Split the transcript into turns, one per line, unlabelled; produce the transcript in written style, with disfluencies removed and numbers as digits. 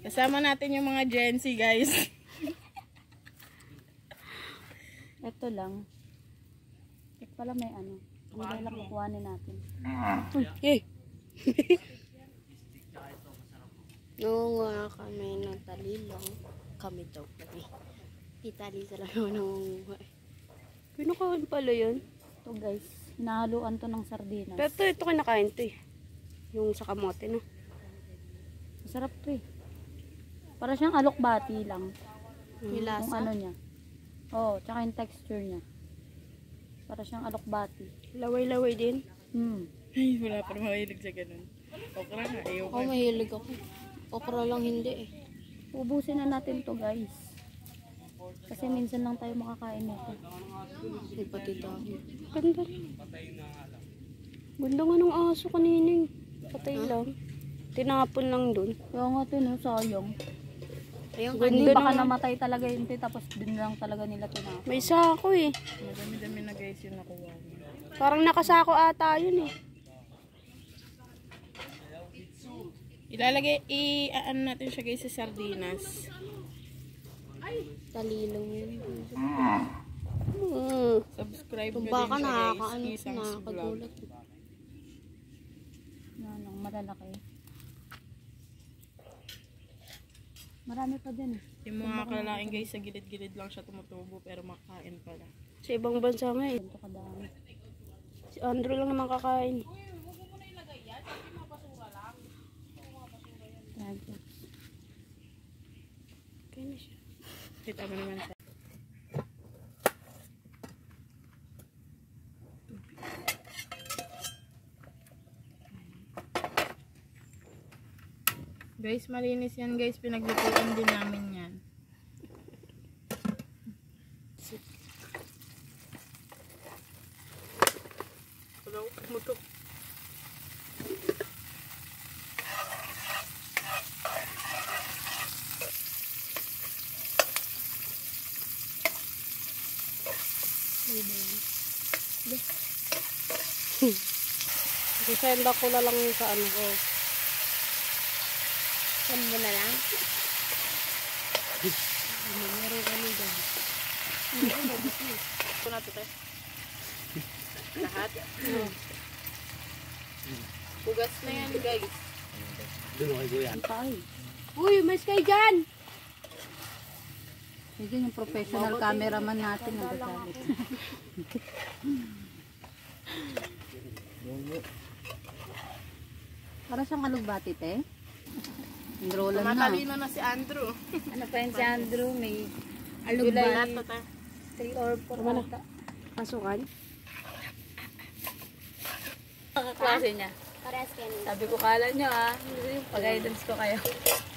Kasama natin yung mga Gen Z, guys.
Ito lang. Ito pala may ano. Ano ba lang kukuhanin natin?
Yay! Noong kami natalilong, kami daw kami. Italisa lang naman ng pinakain pala yun.
Ito guys, hinahaluan to ng sardinas.
Pero ito kinakain to eh. Yung sa kamote, no?
Masarap to eh. Para siyang alokbati lang.
May lasa.
Yung ano niya. Oo, tsaka yung texture niya. Para siyang alokbati.
Laway-laway din.
Ay, wala pa mahilig sa ganun. Okra nga, ayaw
Ako mahilig ako. Okra lang hindi eh.
Ubusin na natin to guys. Kasi minsan lang tayo makakain nito.
May pati dahil. Ganda rin. Ganda nga ng aso kanining. Patay lang. Tinapon lang dun.
Kaya nga ito, no, sayang.
Ayun,
Hindi
ganda
baka
na.
namatay talaga yun, tapos din lang talaga nila tinapon.
May sako eh.
Madami-dami na guys yung nakuha mo.
Parang nakasako ata yun eh.
Ilalagay, ano natin siya guys sa sardinas.
Talilong yun.
Subscribe
Kung
nyo
baka
din siya guys.
nakakaano,
Isang vlog.
nakakagulat.
Ano, malalaki. Marami pa din eh.
Yung mga kalain guys, sa gilid-gilid lang siya tumutubo pero makain pala.
Sa ibang bansa nga eh.
Ganito kadami.
Si Andrew lang naman kakain.
Yan.
Kaya na siya.
Kita mo naman sa... Guys, malinis yan guys. Pinaglutuan din namin yan. Hello, mutok.
Isenda ko na lang yung sa ano ko.
Saan mo na lang?
Meron kami dyan.
Ito na ito tayo. Lahat? Bugas na yan guys.
Ay.
Uy, may sky dyan!
Medyo yung professional cameraman natin nagagalit. Para siyang alugbati, te. Enrollan na.
Matalino na si Andrew.
Ano pa yun si Andrew? May
Lahat
alugbati.
to tayo.
3 or 4 ata.
Pasukan?
Ang klase niya.
Parehas kayo.
Sabi ko, kala nyo ah. Pag-guidance ko kayo.